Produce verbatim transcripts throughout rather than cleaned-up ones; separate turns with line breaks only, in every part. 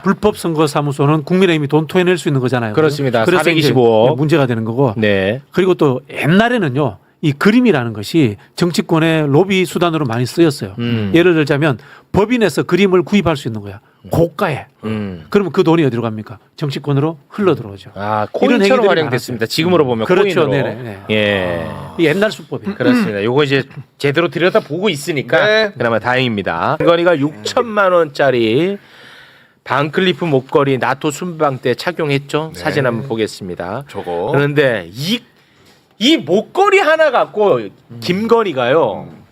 불법 선거사무소는 국민의힘이 돈 토해낼 수 있는 거잖아요.
그렇습니다.
그래서
사백이십오억.
문제가 되는 거고.
네.
그리고 또 옛날에는요. 이 그림이라는 것이 정치권의 로비 수단으로 많이 쓰였어요.
음.
예를 들자면 법인에서 그림을 구입할 수 있는 거야. 고가에.
음.
그러면 그 돈이 어디로 갑니까? 정치권으로 흘러 들어오죠.
아,
이런
코인처럼
행위들이
활용됐습니다.
많았어요.
지금으로 보면
그렇죠.
코인으로.
네네. 네.
예.
이 옛날 수법이에요.
그렇습니다. 요거 이제 제대로 들여다 보고 있으니까
네.
그나마 다행입니다. 김건희가 육천만 원짜리 반클리프 목걸이 나토 순방 때 착용했죠.
네.
사진 한번 보겠습니다.
저거.
그런데 이, 이 목걸이 하나 갖고 김건희가요.
음.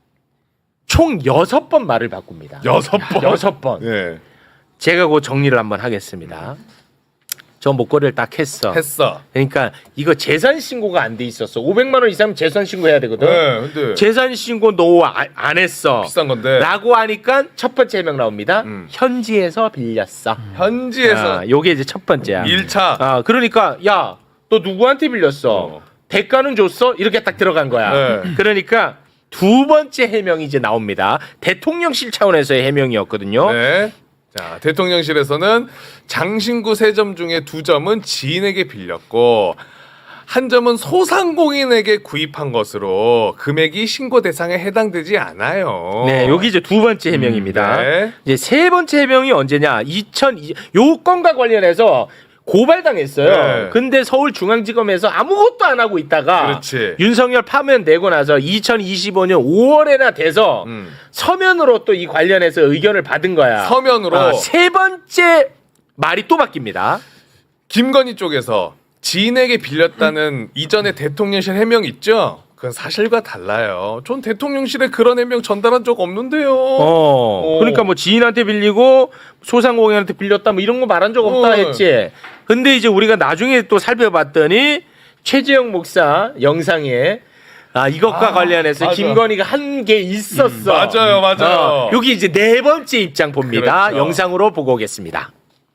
총 여섯 번 말을 바꿉니다.
여섯 번.
여섯 번.
예.
제가 그 정리를 한번 하겠습니다. 저 목걸이를 딱 했어.
했어.
그러니까 이거 재산 신고가 안 돼 있었어. 오백만 원 이상 재산 신고해야 되거든.
네, 근데
재산 신고 너 안 했어.
비싼 건데.
라고 하니까 첫 번째 해명 나옵니다.
음.
현지에서 빌렸어.
현지에서
아, 요게 이제 첫 번째야.
일 차.
아, 그러니까 야, 너 누구한테 빌렸어?
어.
대가는 줬어? 이렇게 딱 들어간 거야.
네.
그러니까 두 번째 해명이 이제 나옵니다. 대통령실 차원에서의 해명이었거든요.
네. 자, 대통령실에서는 장신구 세 점 중에 두 점은 지인에게 빌렸고 한 점은 소상공인에게 구입한 것으로 금액이 신고 대상에 해당되지 않아요.
네, 여기 이제 두 번째 해명입니다.
음, 네.
이제 세 번째 해명이 언제냐? 이천이 요 건과 관련해서 고발당했어요.
네.
근데 서울중앙지검에서 아무것도 안 하고 있다가
그렇지.
윤석열 파면 되고 나서 이천이십오 년 오월에나 돼서
음.
서면으로 또 이 관련해서 의견을 받은 거야.
서면으로
아, 세 번째 말이 또 바뀝니다.
김건희 쪽에서 지인에게 빌렸다는 이전에 대통령실 해명 있죠? 그건 사실과 달라요. 전 대통령실에 그런 해명 전달한 적 없는데요.
어,
어.
그러니까 뭐 지인한테 빌리고 소상공인한테 빌렸다 뭐 이런 거 말한 적 없다
어.
했지. 근데 이제 우리가 나중에 또 살펴봤더니 최재형 목사 영상에 아 이것과
아,
관련해서
맞아.
김건희가 한 게 있었어.
음, 맞아요, 맞아요.
어, 여기 이제 네 번째 입장 봅니다.
그렇죠.
영상으로 보고 오겠습니다.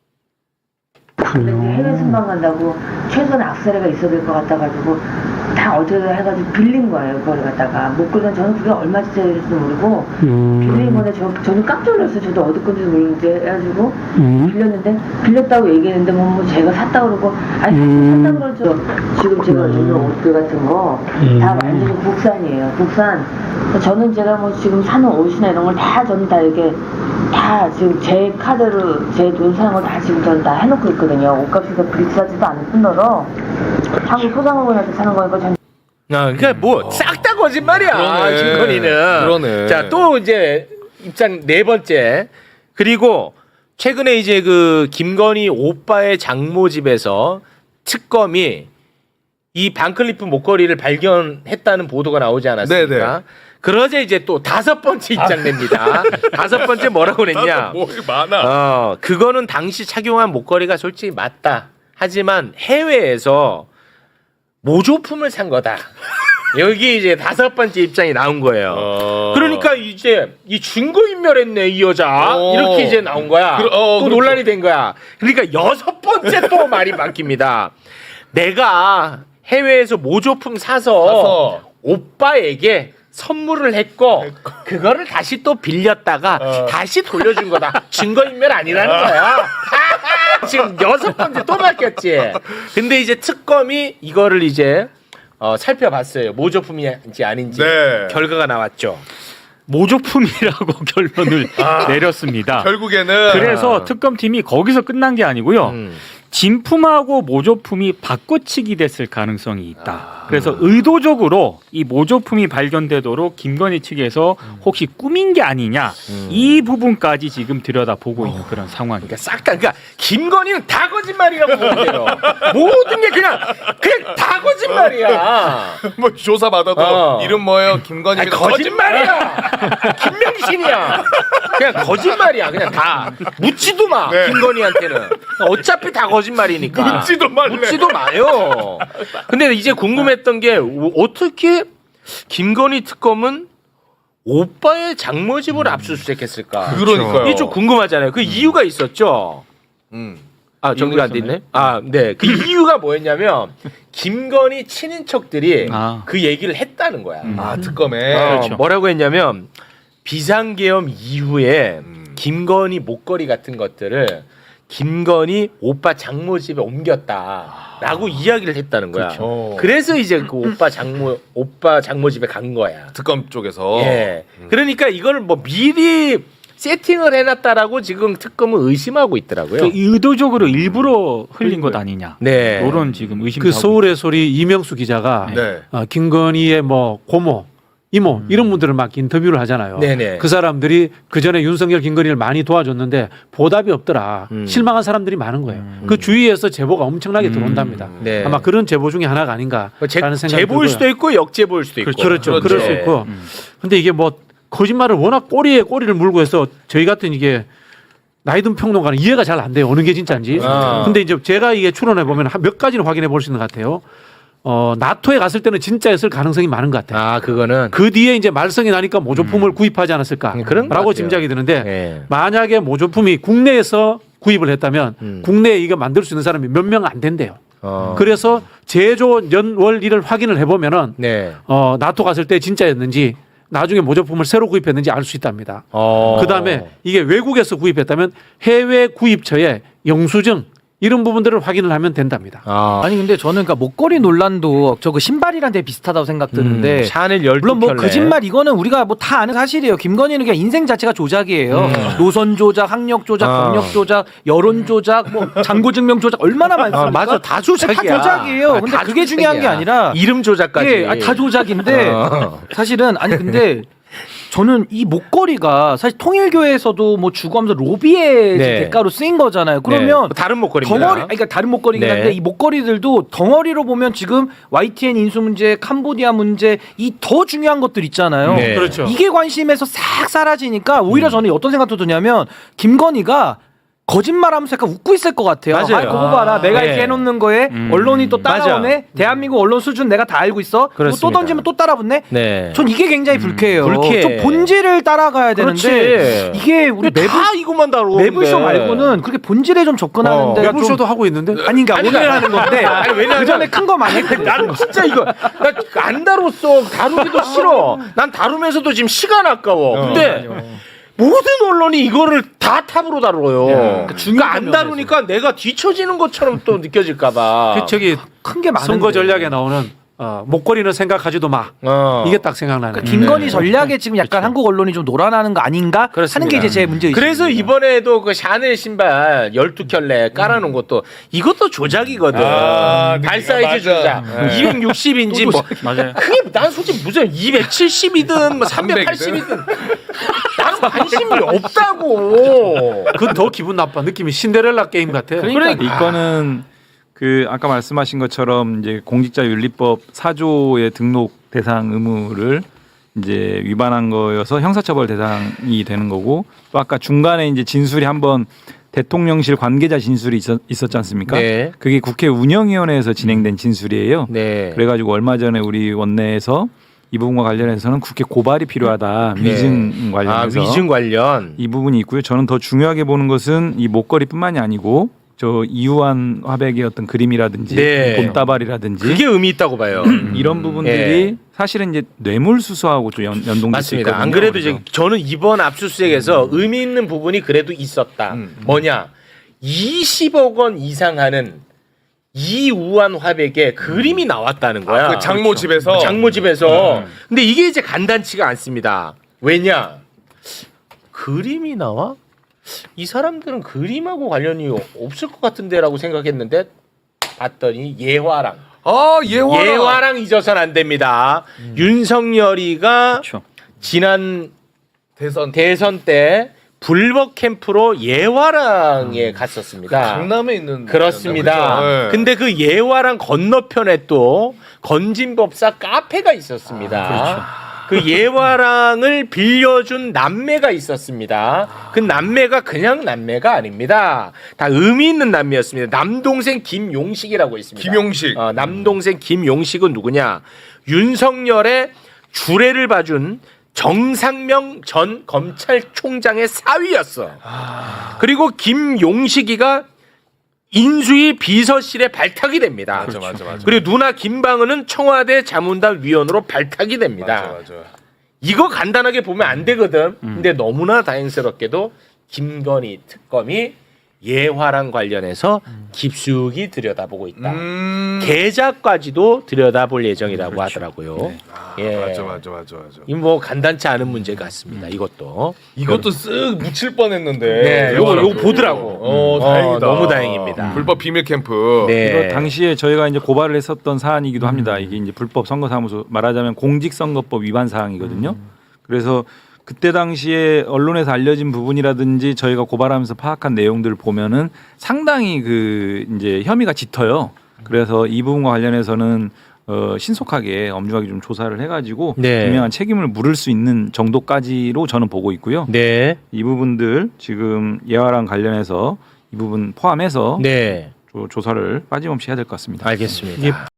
근데 이제 해외 순방 간다고 최소한 악세사리가 있어야 될 것 같아가지고 다 어떻게 해가지고 빌린 거예요. 그걸 갖다가 목걸이는 저는 그게 얼마짜리 될지도 모르고 빌린 건데 저, 저는 깜짝 놀랐어요. 저도 어디 건지도 모르는데 해가지고 빌렸는데 빌렸다고 얘기했는데 뭐, 뭐 제가 샀다고 그러고 아니 샀다고 그러죠. 지금 제가 입는 옷들 같은 거 다 완전히 국산이에요. 국산. 저는 제가 뭐 지금 사는 옷이나 이런 걸 다 저는 다 이렇게 다 지금 제 카드로 제 돈 사는 거 다 지금 저는 다 해놓고 있거든요. 옷값이 더 비싸지도 않을 뿐더러 한국 소상공인한테 사는 거니까 전
아, 그러니까 뭐 싹 다 거짓말이야.
그러네.
김건희는.
그러네.
자, 또 이제 입장 네 번째. 그리고 최근에 이제 그 김건희 오빠의 장모 집에서 특검이 이 반클리프 목걸이를 발견했다는 보도가 나오지 않았습니까?
네네.
그러자 이제 또 다섯 번째 입장 냅니다. 다섯 번째 뭐라고 그랬냐?
뭐 많아.
어, 그거는 당시 착용한 목걸이가 솔직히 맞다. 하지만 해외에서 모조품을 산 거다. 여기 이제 다섯 번째 입장이 나온 거예요.
어.
그러니까 이제 이 증거인멸했네 이 여자
어.
이렇게 이제 나온 거야.
그러- 어,
또
그렇죠.
논란이 된 거야. 그러니까 여섯 번째 또 말이 바뀝니다. 내가 해외에서 모조품 사서,
사서.
오빠에게 선물을 했고 그거를 다시 또 빌렸다가
어.
다시 돌려준 거다. 증거인멸 아니라는 거야. 지금 여섯 번째 또 바뀌었지. 근데 이제 특검이 이거를 이제 어, 살펴봤어요. 모조품인지 아닌지.
네.
결과가 나왔죠.
모조품이라고 결론을 내렸습니다.
결국에는
그래서 특검팀이 거기서 끝난 게 아니고요.
음.
진품하고 모조품이 바꿔치기 됐을 가능성이 있다. 그래서 의도적으로 이 모조품이 발견되도록 김건희 측에서 혹시 꾸민 게 아니냐 이 부분까지 지금 들여다보고 있는 그런 상황입니다.
그러니까 싹 다, 그러니까 김건희는 다 거짓말이라고 보면 돼요. 모든 게 그냥 그냥 다 거짓말이야.
뭐 조사 받아도
어.
이름 뭐예요? 김건희.
아니, 거짓말이야. 김명신이야. 그냥 거짓말이야. 그냥 다 묻지도 마.
네.
김건희한테는 어차피 다 거짓말이니까.
묻지도 말래.
묻지도 마요. 근데 이제 궁금했던 게 어떻게 김건희 특검은 오빠의 장모 집을 압수수색했을까?
그러니까요.
이게 좀 궁금하잖아요. 그 이유가 있었죠.
음.
아, 정리가 안 돼 있네. 아, 네. 그 이유가 뭐였냐면 김건희 친인척들이
아.
그 얘기를 했다는 거야.
아 특검에.
어,
그렇죠.
뭐라고 했냐면 비상계엄 이후에
음.
김건희 목걸이 같은 것들을 김건희 오빠 장모 집에 옮겼다라고 이야기를 했다는 거야.
그렇죠.
그래서 이제 그 오빠 장모 오빠 장모 집에 간 거야.
특검 쪽에서.
예. 그러니까 이걸 뭐 미리 세팅을 해놨다라고 지금 특검은 의심하고 있더라고요.
그 의도적으로 일부러 흘린 것 아니냐.
네.
이런 지금 의심.
그 서울의 소리 이명수 기자가
네.
어, 김건희의 뭐 고모, 이모 이런 분들을 막 인터뷰를 하잖아요.
네네.
그 사람들이 그 전에 윤석열, 김건희를 많이 도와줬는데 보답이 없더라.
음.
실망한 사람들이 많은 거예요. 그 주위에서 제보가 엄청나게 들어온답니다.
네.
아마 그런 제보 중에 하나가 아닌가라는
제,
생각이
제보일
들고요.
수도 있고 역제보일 수도 있고.
그렇죠.
그렇죠.
그럴 수
네.
있고. 근데 이게 뭐 거짓말을 워낙 꼬리에 꼬리를 물고 해서 저희 같은 이게 나이 든 평론가는 이해가 잘 안 돼요. 어느 게 진짜인지.
아.
근데 이제 제가 이게 추론해 보면 한 몇 가지는 확인해 볼 수 있는 것 같아요. 어, 나토에 갔을 때는 진짜였을 가능성이 많은 것 같아요.
아 그거는
그 뒤에 이제 말썽이 나니까 모조품을 구입하지 않았을까?
음, 그런 것
라고
같아요.
짐작이 드는데
네.
만약에 모조품이 국내에서 구입을 했다면
음.
국내에 이거 만들 수 있는 사람이 몇 명 안 된대요.
어.
그래서 제조 연월일을 확인을 해보면은
네.
어, 나토 갔을 때 진짜였는지 나중에 모조품을 새로 구입했는지 알 수 있답니다.
어.
그다음에 이게 외국에서 구입했다면 해외 구입처의 영수증 이런 부분들을 확인을 하면 된답니다.
아.
아니 근데 저는 그러니까 목걸이 논란도 저거 신발이랑 되게 비슷하다고 생각 드는데
음, 샤넬 열두
물론 뭐
켤레.
거짓말 이거는 우리가 뭐 다 아는 사실이에요. 김건희는 그냥 인생 자체가 조작이에요. 노선 조작, 학력 조작,
아.
경력 조작, 여론 조작, 뭐 잔고 증명 조작 얼마나 많습니까?
아, 맞아. 다 조작이야.
다 조작이에요.
아,
근데
다
그게 중요한 게
조작이야.
아니라
이름 조작까지.
예, 아, 다 조작인데
어.
사실은 아니 근데 저는 이 목걸이가 사실 통일교에서도 뭐 주고하면서 로비의
네.
대가로 쓰인 거잖아요.
네.
그러면
다른 목걸이입니다.
덩어리, 아니, 그러니까 다른 목걸이긴
네.
한데 이 목걸이들도 덩어리로 보면 지금 와이티엔 인수 문제, 캄보디아 문제 이 더 중요한 것들 있잖아요.
네.
그렇죠.
이게 관심에서 싹 사라지니까 오히려 저는 어떤 생각도 드냐면 김건희가 거짓말하면서 약간 웃고 있을 것 같아요.
맞아요.
아, 그거 봐라. 내가
네.
이렇게 해놓는 거에
음.
언론이 또 따라오네.
맞아.
대한민국 언론 수준 내가 다 알고 있어. 뭐 또
그렇습니다.
던지면 또 따라붙네.
네.
전 이게 굉장히 불쾌해요.
불쾌해.
좀 본질을 따라가야 되는데
그렇지.
이게 우리
근데
매불
다 이것만 다루는데.
매불쇼 말고는 그렇게 본질에 좀 접근하는데
어.
매불쇼도 하고 있는데
아니 그러니까 오늘 하는 건데
아니, 왜냐면
그 전에 큰 거 많이 했거든.
나는 진짜 이거 나 안 다뤘어. 다루기도 싫어. 난 다루면서도 지금 시간 아까워. 근데 모든 언론이 이거를 다 탑으로 다뤄요. 그러니까 안 다루니까 내가 뒤처지는 것처럼 또 느껴질까봐.
그 저기
큰 게 많은데.
선거 전략에 나오는 어, 목걸이는 생각하지도 마.
어.
이게 딱 생각나네.
그러니까 김건희
네.
전략에 지금 약간 한국 언론이 좀 놀아나는 거 아닌가 하는 게 이제 제 문제예요.
그래서 이번에도 그 샤넬 신발 열두 켤레 깔아놓은 것도 이것도 조작이거든.
아,
발 사이즈
맞아.
조작. 이백육십 인치 뭐
맞아요.
그게 난 솔직히 무슨 이백칠십이든 뭐 삼백팔십이든 나는 관심이 없다고.
그건 더 기분 나빠. 느낌이 신데렐라 게임 같아.
그러니까
이거는 그 아까 말씀하신 것처럼 이제 공직자윤리법 사 조의 등록 대상 의무를 이제 위반한 거여서 형사처벌 대상이 되는 거고, 또 아까 중간에 이제 진술이 한번 대통령실 관계자 진술이 있었, 있었지 않습니까?
네.
그게 국회 운영위원회에서 진행된 진술이에요.
네.
그래가지고 얼마 전에 우리 원내에서 이 부분과 관련해서는 국회 고발이 필요하다.
네.
위증
아,
관련해서
위증 관련.
이 부분이 있고요. 저는 더 중요하게 보는 것은 이 목걸이뿐만이 아니고 저 이우한 화백의 어떤 그림이라든지
네.
봄다발이라든지
그게 의미 있다고 봐요.
이런 부분들이
예.
사실은 이제 뇌물수수하고 좀 연, 연동될 수
맞습니다.
있거든요.
안 그래도
그래서.
이제 저는 이번 압수수색에서 의미 있는 부분이 그래도 있었다. 뭐냐? 이십억 원 이상 하는 이우한 화백의 그림이 나왔다는 거야.
그 장모 집에서
장모 집에서. 근데 이게 이제 간단치가 않습니다. 왜냐? 그림이 나와? 이 사람들은 그림하고 관련이 없을 것 같은데라고 생각했는데 봤더니 예화랑.
아 예화랑.
예화랑 잊어서는 안 됩니다. 윤석열이가
그렇죠.
지난
대선
대선 때 불법 캠프로 예화랑에 갔었습니다.
강남에 있는
그렇습니다.
그죠? 네.
근데 그 예화랑 건너편에 또 건진법사 카페가 있었습니다. 그 예화랑을 빌려준 남매가 있었습니다. 그 남매가 그냥 남매가 아닙니다. 다 의미 있는 남매였습니다. 남동생 김용식이라고 있습니다.
김용식.
어, 남동생 김용식은 누구냐? 윤석열의 주례를 봐준 정상명 전 검찰총장의 사위였어. 그리고 김용식이가 인수위 비서실에 발탁이 됩니다.
맞아 맞아 맞아.
그리고 누나 김방은은 청와대 자문단 위원으로 발탁이 됩니다.
맞아 맞아.
이거 간단하게 보면 안 되거든. 근데 너무나 다행스럽게도 김건희 특검이 예화랑 관련해서 깊숙이 들여다보고 있다.
음.
계좌까지도 들여다볼 예정이라고 하더라고요.
아,
예.
맞아 맞아 맞아 맞아.
이 뭐 간단치 않은 문제 같습니다. 이것도.
이것도 쓱 묻힐 뻔했는데.
네, 요거 요거 보더라고.
어,
어,
다행이다.
너무 다행입니다.
불법 비밀 캠프.
네.
이거 당시에 저희가 이제 고발을 했었던 사안이기도 합니다. 이게 이제 불법 선거사무소 말하자면 공직선거법 위반 사항이거든요. 그래서 그때 당시에 언론에서 알려진 부분이라든지 저희가 고발하면서 파악한 내용들을 보면은 상당히 그 이제 혐의가 짙어요. 그래서 이 부분과 관련해서는 어 신속하게 엄중하게 좀 조사를 해가지고
네.
분명한 책임을 물을 수 있는 정도까지로 저는 보고 있고요.
네.
이 부분들 지금 예화랑 관련해서 이 부분 포함해서
네.
조- 조사를 빠짐없이 해야 될 것 같습니다.
알겠습니다.